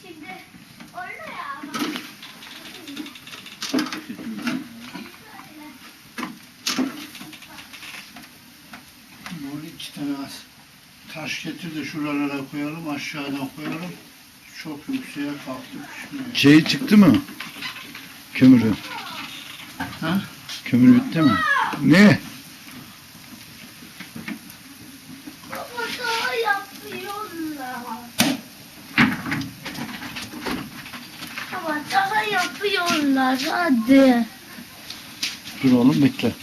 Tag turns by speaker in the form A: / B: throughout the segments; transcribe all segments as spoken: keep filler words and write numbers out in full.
A: Şimdi orada ya.
B: Bunu iki tane az taş getir de şuralara koyalım, aşağıdan koyalım. Çok yükseğe kalktı pişmiyor.
C: Şey çıktı mı? Kömürü.
B: Ha?
C: Kömür bitti mi? Ne?
A: Baba daha yapıyorlar. Baba daha yapıyorlar hadi.
C: Dur oğlum bekle.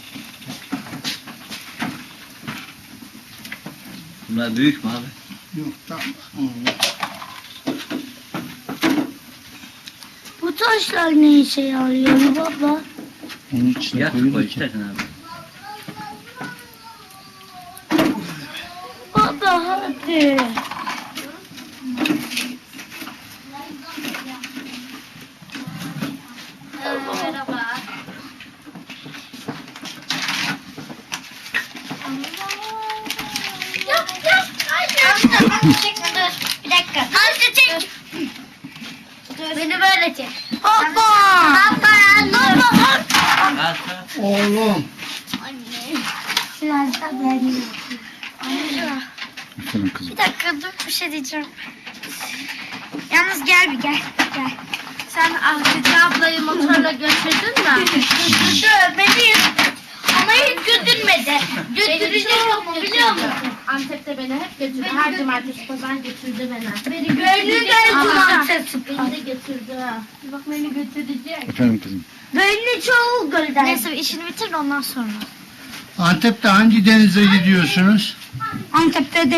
D: Bunlar büyük mü abi?
B: Yok tamam. Oldu.
A: Bu taşlar ne işe yarıyor baba?
C: Onun içine
D: Yak
C: koyun
D: koy
C: ki.
D: istersen abi.
A: Baba hadi. Merhaba. Yap yap. Hayır. Çekme dur. Bir dakika. Amca çek. Beni böyle çek. Hoppa. Baba. Baba.
D: Kalk.
B: Oğlum.
A: Anne. Biraz da ben yapayım. Amca.
C: Efendim kızım.
A: Bir dakika dur bir şey diyeceğim. Yalnız gel bir gel. Gel.
E: Sen Ahmet ablayı motorla götürdün mü?
A: Götürdü beni. Ama hiç götürmedi. Götürecek ama biliyor musun?
E: Antep'te beni hep götürdü. Her cumartesi pazar götürdü beni.
A: Beni götürdü.
E: Beni de götürdü.
A: Bak beni götürecek.
C: Efendim kızım.
A: Beni çoğu gölden. Neyse işini bitir ondan sonra.
B: Antep'te hangi denize gidiyorsunuz?
A: Antep'te de